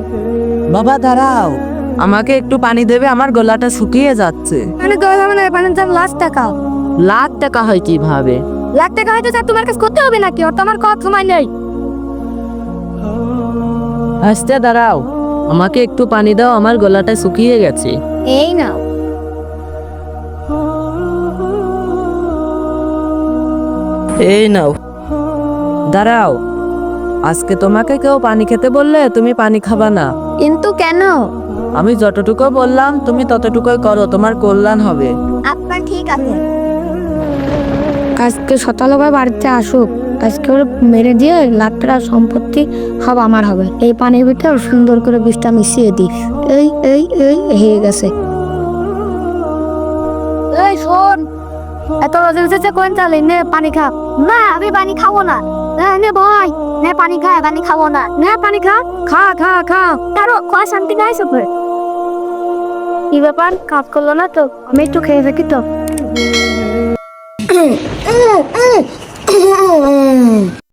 বাবা দাঁড়াও, আমাকে একটু পানি দেবে, আমার গলাটা শুকিয়ে যাচ্ছে। মানে গলা মানে পানির দাম ৳1,00,000। লাখ টাকা হয় কিভাবে? ৳1,00,000 হয়তো স্যার তোমার কাছে করতে হবে নাকি? ওর তো আমার কথা সময় নেই। হাসতে দাঁড়াও, আমাকে একটু পানি দাও, আমার গলাটা শুকিয়ে গেছে। এই নাও। এই নাও। দাঁড়াও, আজকে তোমাকে কেউ পানি খেতে বললে তুমি পানি খাবা না। কিন্তু কেন? আমি যতটুকু বললাম তুমি ততটুকুই করো, তোমার কল্যাণ হবে। আপনার ঠিক আছে। আজকে সকালবেলা বাড়িতে আসুক, আজকে ওর মেরে দিয়ে ৳1,00,000 সম্পত্তি সব আমার হবে। এই পানির ভিতরে সুন্দর করে বিষটা মিশিয়ে দিই। এই এই এই হয়ে গেছে। এই শোন, এত রোজে রোজে কোন চালে নে পানি খা। না আমি পানি খাবো না। নে ভাই, নে পানি খা, পানি খাবো না। নে পানি খা, খা খা খা। কারো খা শান্তি নাই সবে। কি ব্যাপার, কাজ করলো না তো? আমি একটু খেয়ে থাকি তো।